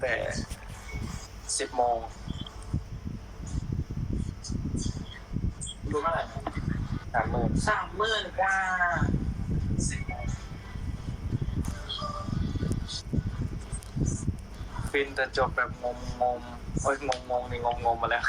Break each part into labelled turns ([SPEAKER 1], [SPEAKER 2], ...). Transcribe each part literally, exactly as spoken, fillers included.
[SPEAKER 1] แต่สิบโมง
[SPEAKER 2] รู้เท่าไหร่
[SPEAKER 1] สามหมื่น
[SPEAKER 2] สามหมื่นกว่า
[SPEAKER 1] สิบโมงฟินแต่จบแบบงงงงโอ้ยงงงงนี่งงงงมาแล้ว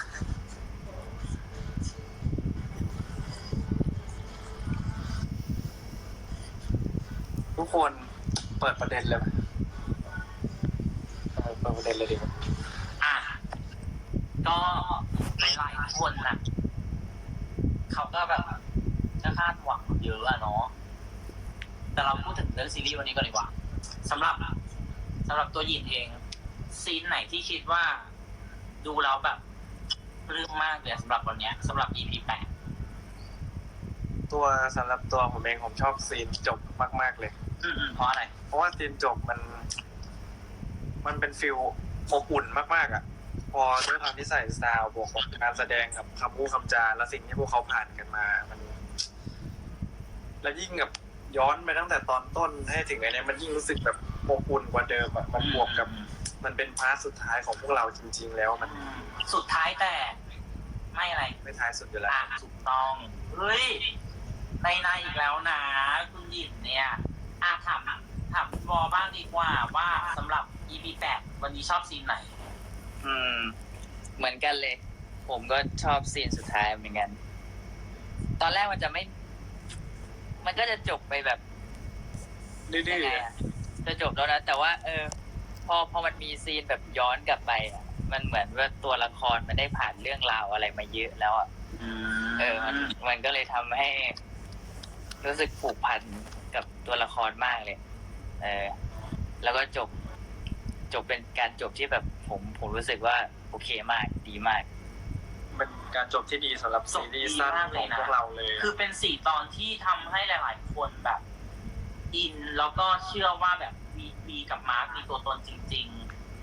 [SPEAKER 1] ทุกคนเปิดประเด็นเลยไหมเออเปิดประเด็นเลยดีกว่า
[SPEAKER 2] อ่ะก็หลายๆคนน่ะเขาก็แบบจะคาดหวังเยอะอะเนาะแต่เราพูดถึงเรื่องซีรีส์วันนี้ก่อนดีกว่าสำหรับสำหรับตัวยินเองซีนไหนที่คิดว่าดูแล้วแบบปลื้มมากเลยสำหรับวันนี้สำหรับ อี พี แปด
[SPEAKER 1] ตัวสำหรับตัวผมเองผมชอบซีนจบมากๆเลย
[SPEAKER 2] อืมเพราะอะไร
[SPEAKER 1] เพราะว่าซีนจบมัน มันเป็นฟิลอบอุ่นมากๆอ่ะพอด้วยความที่ใส่สไตล์บวกกับการแสดงกับคำพูดคำจาและสิ่งที่พวกเขาผ่านกันมามันและยิ่งกับย้อนไปตั้งแต่ตอนต้นให้ถึงไอ้นี้มันยิ่งรู้สึกแบบอบอุ่นกว่าเดิมอ่ะมันบวกกับมันเป็นพาร์ทสุดท้ายของพวกเราจริงๆแล้วมัน
[SPEAKER 2] สุดท้ายแต่ไม่อะไร
[SPEAKER 1] ไม่ท้ายสุดอยู่แล้ว
[SPEAKER 2] ถูกต้องเฮ้ยในในอีกแล้วนะคุณหยินเนี่ยอ่ะถามถามวอบ้างดีกว่าว่าสำหรับ อี พี แปดวันนี้ชอบซีนไหน
[SPEAKER 3] อืมเหมือนกันเลย ผมก็ชอบซีนสุดท้ายเหมือนกันตอนแรกมันจะไม่ มันก็จะจบไปแบบ
[SPEAKER 1] ดื้อ
[SPEAKER 3] ๆจะจบแล้วนะแต่ว่า เออ พอพอมันมีซีนแบบย้อนกลับไปอ่ะมันเหมือนว่าตัวละครมันได้ผ่านเรื่องราวอะไรมาเยอะแล้วอ่ะเออมันมันก็เลยทำให้รู้สึกผูกพันกับตัวละครมากเลยเออแล้วก็จบจบเป็นการจบที่แบบผมผมรู้สึกว่าโอเคมากดีมาก
[SPEAKER 1] เป็นการจบที่ดีสำหรับซีรีส์สั้นของพวกเราเลย
[SPEAKER 2] คือเป็นสี่ตอนที่ทำให้หลายๆคนแบบอินแล้วก็เชื่อว่าแบบมีมีกับมาร์คมีตัวตนจริง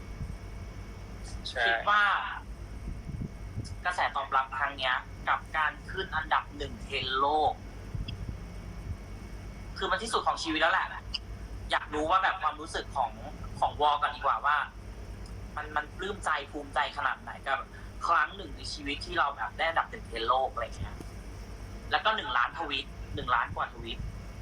[SPEAKER 2] ๆคิดว่ากระแสตอบรับครั้งนี้กับการขึ้นอันดับหนึ่งเทรนด์โลกคือมันที่สุดของชีวิตแล้วแหละอยากรู้ว่าแบบความรู้สึกของของวอกันดีกว่าว่ามันมันปลื้มใจภูมิใจขนาดไหนกับครั้งหนึ่งในชีวิตที่เราแบบได้อันดับหนึ่งเทรนด์โลกอะไรเงี้ยแล้วก็หนึ่งล้านทวีตหนึ่งล้านกว่าทวีต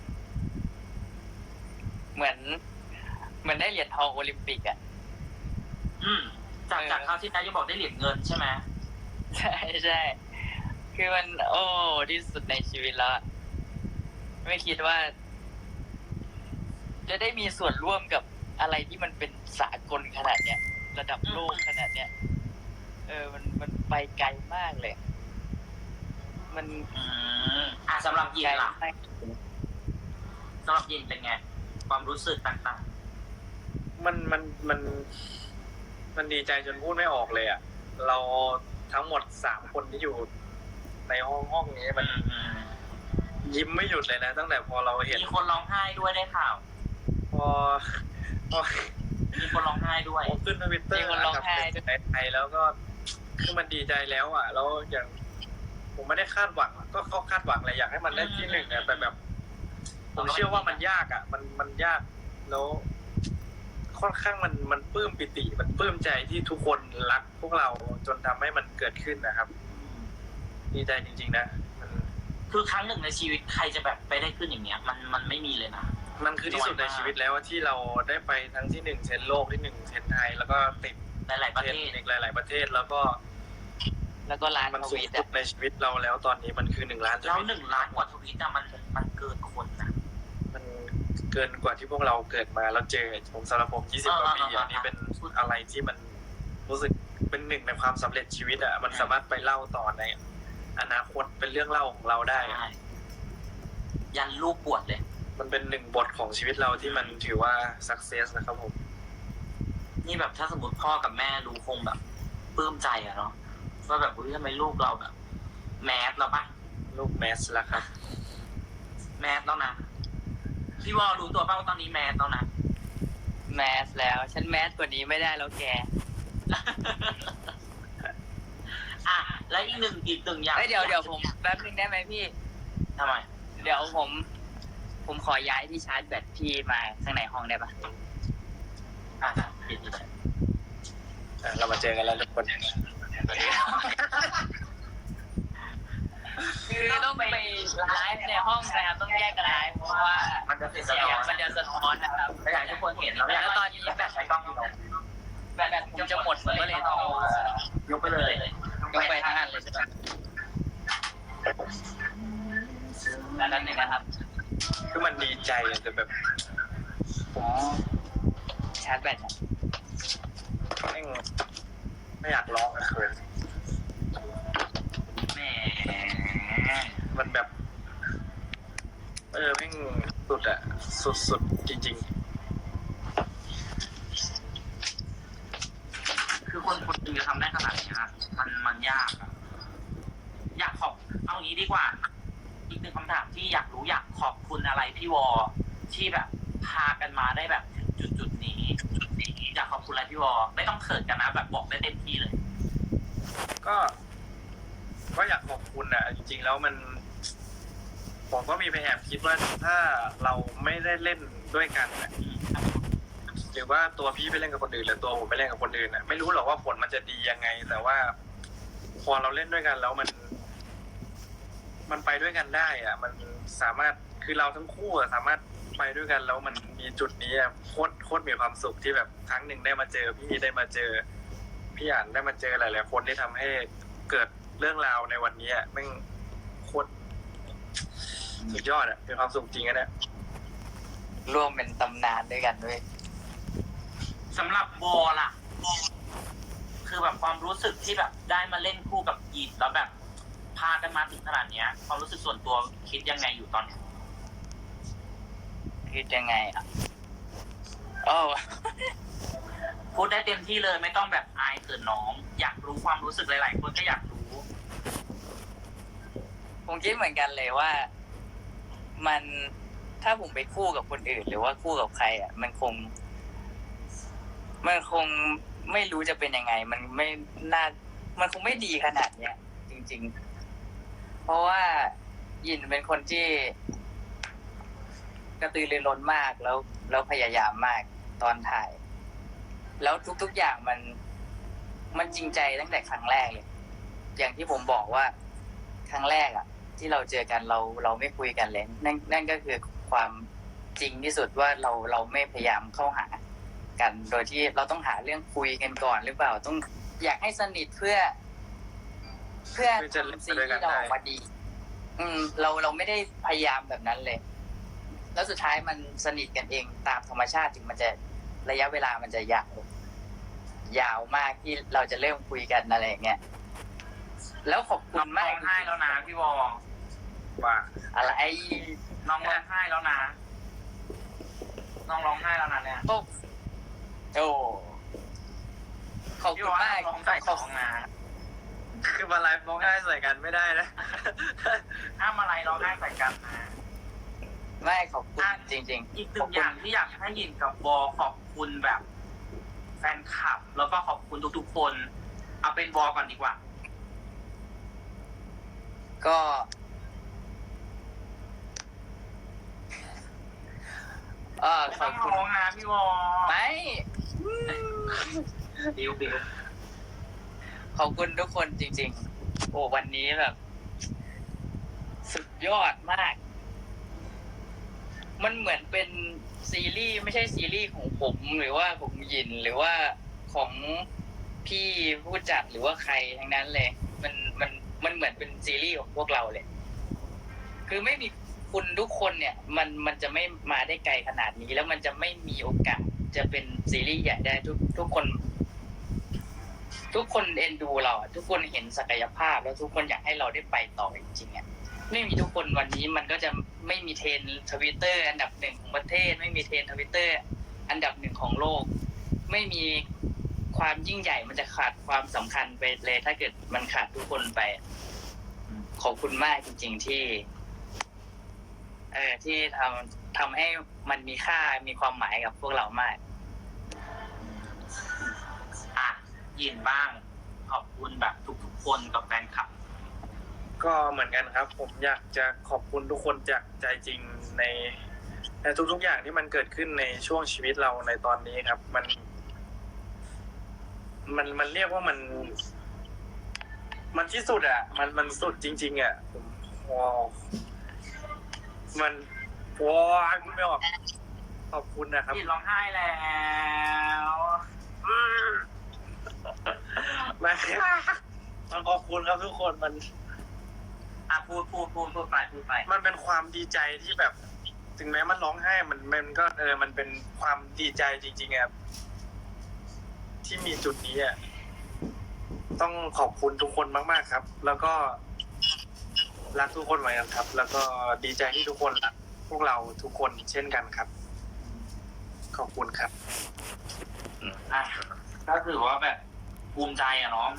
[SPEAKER 3] เหมือนเหมือนได้เหรียญทองโอลิมปิกอ่ะ
[SPEAKER 2] อืมจากจากคราวที่นายกบอกได้เหรียญเงินใช่ไหม
[SPEAKER 3] ใช่ใช่คือมันโอ้ที่สุดในชีวิตแล้วไม่คิดว่าจะได้มีส่วนร่วมกับอะไรที่มันเป็นสากลขนาดเนี้ยระดับโลกขนาดเนี้ยเออมันมันไปไกลมากเลยมัน
[SPEAKER 2] อืมอ่ะสำหรับยินล่ะสำหรับยินเป็นไงความรู้สึกต่าง
[SPEAKER 1] ๆมันมันมันมันดีใจจนพูดไม่ออกเลยอ่ะเราทั้งหมดสามคนที่อยู่ในห้องห้องนี้มันยิ้มไม่หยุดเลยนะตั้งแต่พอเราเห็น
[SPEAKER 2] มีคนร้องไห้ด้วยได้ข่าว
[SPEAKER 1] พอพอ
[SPEAKER 2] มีคนร้องไห้ด้วย
[SPEAKER 1] ขึ้นทวิตเตอร์
[SPEAKER 3] คนร้องไห้
[SPEAKER 1] ในไทยแล้วก็คือมันดีใจแล้วอ่ะแล้วอย่างผมไม่ได้คาดหวังก็เขาคาดหวังอะไรอยากให้มันได้ที่หนึ่งเนี่ยแต่แบบผมเชื่อว่ามันยากอ่ะมันมันยากแล้วค่อนข้างมันมันปลื้มปิติมันปลื้มใจที่ทุกคนรักพวกเราจนทำให้มันเกิดขึ้นนะครับดีใจจริงๆนะมัน
[SPEAKER 2] คือครั้งหนึ่งในชีวิตใครจะแบบไปได้ขึ้นอย่างเงี้ยมันมันไม่มีเลยนะ
[SPEAKER 1] มันคือที่สุดในชีวิตแล้วที่เราได้ไปทั้งที่หนึ่งเทรนด์โลกที่หนึ่งเทรนด์ไทยแล้วก็ติด
[SPEAKER 2] หลายๆประเทศ
[SPEAKER 1] อีกหลายๆประเทศแล้วก็
[SPEAKER 3] แล้วก็ล้าน
[SPEAKER 1] มันสุดในชีวิตเราแล้วตอนนี้มันคือหนึ่งล้าน
[SPEAKER 2] แล้วหนึ่งล้านกว่าทวีตอะมันมันเกินคนนะ
[SPEAKER 1] มันเกินกว่าที่พวกเราเกิดมาแล้วเจอผมสำหรับผมยี่สิบกว่าปีอันนี้เป็นอะไรที่มันรู้สึกเป็นหนึ่งในความสำเร็จชีวิตอ่ะมันสามารถไปเล่าต่อในอนาคตเป็นเรื่องเล่าของเราได้
[SPEAKER 2] ยันลูกบวชเลย
[SPEAKER 1] มันเป็นหนึ่งบทของชีวิตเราที่มันถือว่า success นะครับผม
[SPEAKER 2] นี่แบบถ้าสมมติพ่อกับแม่รู้คงแบบปลื้มใจอะเนาะว่าแบบทำไมลูกเราแบบแมสแล้วปะ
[SPEAKER 1] ลูกแมสแล้วครับ
[SPEAKER 2] แมสแล้วนะพี่วอรู้ตัวป่ะว่าตอนนี้แมสแล้วนะ
[SPEAKER 3] แมสแล้วฉันแมสกว่านี้ไม่ได้แล้วแก
[SPEAKER 2] อ่ะแล้วอีกหนึ่งอีกหนึ่งอย่าง
[SPEAKER 3] เดี๋ยวเดี๋ยวผมแป๊บนึงได้ไหมพี่
[SPEAKER 2] ทำไม
[SPEAKER 3] เดี๋ยวผมผมขอย้ายที่ชาร์จแบตพี่มาข้างในห้องได้ปะ
[SPEAKER 2] อ่ะปิดเลย
[SPEAKER 1] เจอกันแล้วทุกคน
[SPEAKER 3] คือต้องไปไลฟ์ในห้องนะครับต้องแยกกันไลฟ์เพราะว่า
[SPEAKER 2] มันจะติด
[SPEAKER 3] เสียงมันจะสะท้อนนะครับ
[SPEAKER 2] ไม่อยากให้ทุกคนเห็นแล้วอยาก
[SPEAKER 3] แล้วตอนนี้แบต
[SPEAKER 2] ใช้กล้องอยู่
[SPEAKER 3] แบตผมจะหมดผมก็เลยต้อง
[SPEAKER 2] ยกไปเลย
[SPEAKER 3] ยกไปทั้งอันเลยใช่ไหมแล้วนั่นเองนะครับ
[SPEAKER 1] คือมันดีใจอะแต่แบบผม
[SPEAKER 3] ชาร์จแบต
[SPEAKER 1] แม่งไม่อยากร้องอะเขิน
[SPEAKER 2] แหม
[SPEAKER 1] มันแบบ เออแม่งสุดอะสุดๆจริง
[SPEAKER 2] คือคนคนนึงจะทำได้ขนาดนี้นะมันมันยากอะอยากขอบเอางี้ดีกว่า อีกหนึ่งคำถามที่อยากรู้อยากขอบคุณอะไรพี่วอที่แบบพากันมาได้แบบถึงจุดจุดๆนี้จุดนี้อยากขอบคุณอะไรพี่วอไม่ต้องเขินกันนะแบบบอกได้เต็มที่เลย
[SPEAKER 1] ๆ ก็ ก็อยากขอบคุณอะจริงๆแล้วมัน ผมก็มีไปแอบคิดว่าถ้าเราไม่ได้เล่นด้วยกันอะหรือว่าตัวพี่ไปเล่นกับคนอื่นหรือตัวผมไปเล่นกับคนอื่นอะไม่รู้หรอกว่าผลมันจะดียังไง แต่ว่า พอเราเล่นด้วยกันแล้วมัน มันไปด้วยกันได้อะมันสามารถคือเราทั้งคู่อะสามารถไปด้วยกันแล้วมันมีจุดนี้อะโคตรโคตรมีความสุขที่แบบครั้งหนึ่งได้มาเจอพี่ได้มาเจอพี่อ่านได้มาเจอหลายๆคนที่ทำให้เกิดเรื่องราวในวันนี้อะแม่งโคตรสุดยอดอะเป็นความสุขจริงอะเนี่ย
[SPEAKER 3] ร่วมเป็นตำนานด้วยกันด้วย
[SPEAKER 2] สำหรับวอล่ะ คือแบบความรู้สึกที่แบบได้มาเล่นคู่กับยีนแล้วแบบพากันมาถึงขนาดเนี้ย ความรู้สึกส่วนตัวคิดยังไงอยู่ตอนนี้
[SPEAKER 3] คิดยังไงอ่ะโอ้
[SPEAKER 2] พูดได้เต็มที่เลยไม่ต้องแบบอายเขินน้อง อยากรู้ความรู้สึกหลายๆคนก็อยากรู้
[SPEAKER 3] ผมคิดเหมือนกันเลยว่า มันถ้าผมไปคู่กับคนอื่น หรือว่าคู่กับใครอ่ะ มันคง มันคงไม่รู้จะเป็นยังไง มันไม่น่า มันคงไม่ดีขนาดเนี้ย จริง ๆ เพราะว่ายินเป็นคนที่ กระตือรือร้นมากแล้วแล้วพยายามมากตอนถ่าย แล้วทุกๆอย่างมัน มันจริงใจตั้งแต่ครั้งแรกเลย อย่างที่ผมบอกว่าครั้งแรกอ่ะ ที่เราเจอกันเราเราไม่คุยกันเลยนั่นนั่นก็คือความจริงที่สุดว่าเราเราไม่พยายามเข้าหากัน โดยที่เราต้องหาเรื่องคุยกันก่อนหรือเปล่าต้องอยากให้สนิทเพื่อ เพื่อ
[SPEAKER 1] เพื่อจะเล่น
[SPEAKER 3] ทำสิ่ง
[SPEAKER 1] ด้วยกัน
[SPEAKER 3] ที่เรา
[SPEAKER 1] ได้
[SPEAKER 3] ออกมาดี อืม เราเราไม่ได้พยายามแบบนั้นเลย แล้วสุดท้ายมันสนิทกันเองตามธรรมชาติถึงมันจะระยะเวลามันจะยาวยาวมากที่เราจะเริ่มคุยกันอะไรอย่างเงี้ยแล้วขอบคุ
[SPEAKER 2] น้อ
[SPEAKER 3] ณ
[SPEAKER 2] ง
[SPEAKER 3] มา
[SPEAKER 2] ร้
[SPEAKER 3] ก
[SPEAKER 2] องไห้แล้วนะพี่วอ
[SPEAKER 1] ว่า
[SPEAKER 3] อะไร
[SPEAKER 2] น้องร้องไห้แล้วนะ น้องร้องไห้แล้วนะเนี่ย
[SPEAKER 3] โอ้โอ้ขอบ
[SPEAKER 2] พี่
[SPEAKER 3] คุณ
[SPEAKER 2] วอ
[SPEAKER 3] มาก
[SPEAKER 2] ร้องใส่
[SPEAKER 3] ข
[SPEAKER 2] ข
[SPEAKER 3] อ
[SPEAKER 2] อบ งนะ
[SPEAKER 1] คือมาไลฟ์ร้องไห้ใส่กันไม่ได้นะ
[SPEAKER 2] ห้ามอะไรร้องไห้ใส่กันนะ
[SPEAKER 3] ไม่ขอบคุณจริง
[SPEAKER 2] อีกหนึ่งอย่างที่อยากให้ยินกับวอขอบคุณแบบแฟนคลับ แล้วก็ขอบคุณทุกๆคน เอาเป็นวอก่อนดีกว่า
[SPEAKER 3] ๆ ก็ เออ
[SPEAKER 2] ไม่
[SPEAKER 3] ข
[SPEAKER 2] ต้
[SPEAKER 3] อ
[SPEAKER 2] อบ ง
[SPEAKER 3] คุณ
[SPEAKER 2] ร้องนะพี่วอ
[SPEAKER 3] ไม่
[SPEAKER 2] บิวบิว
[SPEAKER 3] ขอบคุณทุกคนจริง ๆ โอ้วันนี้แบบ สุดยอดมาก มันเหมือนเป็นซีรีส์ไม่ใช่ซีรีส์ของผมหรือว่าของยินหรือว่าของพี่ผู้จัดหรือว่าใครทั้งนั้นเลย มันมันมันเหมือนเป็นซีรีส์ของพวกเราเลย คือไม่มีคุณทุกคนเนี่ย มันมันจะไม่มาได้ไกลขนาดนี้ แล้วมันจะไม่มีโอกาสจะเป็นซีรีส์ใหญ่ได้ทุกทุกคน ทุกคนเอ็นดูเราอะทุกคนเห็นศักยภาพแล้วทุกคนอยากให้เราได้ไปต่อจริงๆอ่ะไม่มีทุกคนวันนี้มันก็จะไม่มีเทรนทวิตเตอร์อันดับหนึ่งของประเทศ ไม่มีเทรนทวิตเตอร์อันดับหนึ่งของโลก ไม่มีความยิ่งใหญ่มันจะขาดความสำคัญไปเลย ถ้าเกิดมันขาดทุกคนไปอะขอบคุณมากจริง ๆที่ เออที่ทำทำให้มันมีค่ามีความหมายกับพวกเรามาก
[SPEAKER 2] อ่ะยินบ้าง ขอบคุณแบบทุกๆคนกับแฟนคลับ
[SPEAKER 1] ก็เหมือนกันครับ ผมอยากจะขอบคุณทุกคนจากใจจริงในในทุกๆอย่างที่มันเกิดขึ้นในช่วงชีวิตเราในตอนนี้ครับ มัน มมันมันเรียกว่ามัน มันที่สุดอ่ะ มันมันสุดจริง ๆอ่ะผมว้าวมันว้าวคุณไม่ออกขอบคุณนะครับ
[SPEAKER 2] พี่ร้องไห้แล้ว
[SPEAKER 1] ไม่มันขอบคุณครับทุกคนมัน
[SPEAKER 2] อ่ะพูดพูดพูดพูดไปพูดไป
[SPEAKER 1] มันเป็นความดีใจที่แบบ ถึงแม้มันร้องไห้มันมันก็เออมันเป็นความดีใจจริงๆครับที่มีจุดนี้อ่ะต้องขอบคุณทุกคนมากๆครับ แล้วก็รักทุกคนเหมือนกันครับ แล้วก็ดีใจที่ทุกคนรักพวกเราทุกคนเช่นกันครับ ขอบคุณครับ
[SPEAKER 2] อ่ะก็ถือว่าแบบภูมิใจอะเนาะ